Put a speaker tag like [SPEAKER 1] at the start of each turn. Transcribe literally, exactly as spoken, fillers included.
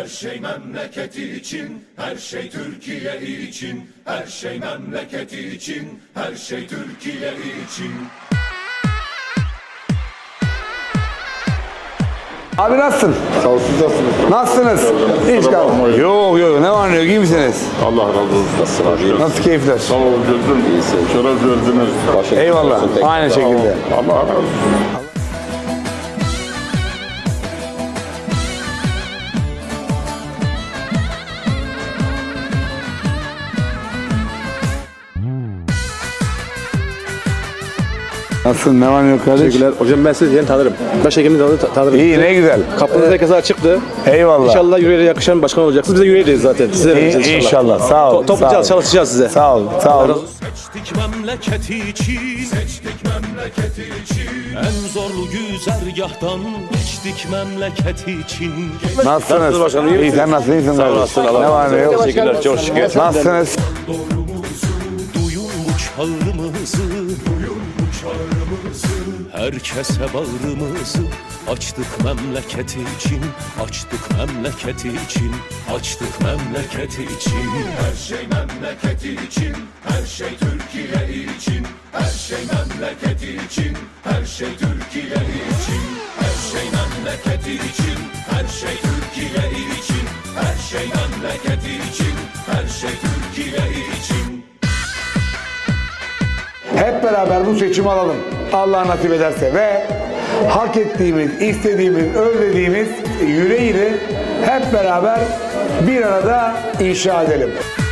[SPEAKER 1] Her şey memleketi için, her şey Türkiye için. Her şey memleketi için, her şey Türkiye için.
[SPEAKER 2] Abi nasılsın?
[SPEAKER 3] Sağ ol, siz nasılsınız?
[SPEAKER 2] Nasılsınız? Hiç kalma. Yok yok, ne var ne yok, iyi misiniz?
[SPEAKER 3] Allah razı olsun. Nasılsın abi?
[SPEAKER 2] Nasıl keyifler?
[SPEAKER 3] Sağ ol, gözüm. Şeref verdiniz.
[SPEAKER 2] Eyvallah, aynı şekilde.
[SPEAKER 3] Allah razı olsun.
[SPEAKER 2] Nasılsın, ne var ne yok kardeş?
[SPEAKER 4] Teşekkürler. Hocam ben sizi yeni tanırım. Başhekimini tanı tanırım.
[SPEAKER 2] İyi, ne güzel.
[SPEAKER 4] Kapınız herkese açıktı.
[SPEAKER 2] Eyvallah.
[SPEAKER 4] İnşallah yüreğe yakışan başkan olacaksınız. Biz de yüreğiyiz zaten. Size
[SPEAKER 2] İyi,
[SPEAKER 4] vereceğiz inşallah.
[SPEAKER 2] inşallah, sağ ol.
[SPEAKER 4] To toplayacağız,
[SPEAKER 2] sağ ol.
[SPEAKER 4] çalışacağız size.
[SPEAKER 2] Sağ ol, sağ ol.
[SPEAKER 1] Seçtik memleketi için, seçtik memleketi için. En zorlu güzergahtan geçtik memleketi için.
[SPEAKER 2] Nasılsınız?
[SPEAKER 4] başkanım, iyi
[SPEAKER 2] İyi, sen nasılsın, iyisin kardeş?
[SPEAKER 4] olasın, Allah
[SPEAKER 2] Ne var ne yok?
[SPEAKER 4] Teşekkürler, çok şükür.
[SPEAKER 2] Nasılsınız?
[SPEAKER 1] Doğrumuzu, duyun bu çağrımızı, duyun bu çağrımızı. Herkese bağrımızı açtık memleketi için, açtık memleketi için, açtık memleketi için. Her şey memleketi için, her şey Türkiye için. Her şey memleketi için, her şey Türkiye için. Her şey memleketi için, her şey Türkiye için. Her şey memleketi için, her şey Türkiye için.
[SPEAKER 2] Hep beraber bu seçimi alalım. Allah nasip ederse ve hak ettiğimiz, istediğimiz, özlediğimiz yüreğini hep beraber bir arada inşa edelim.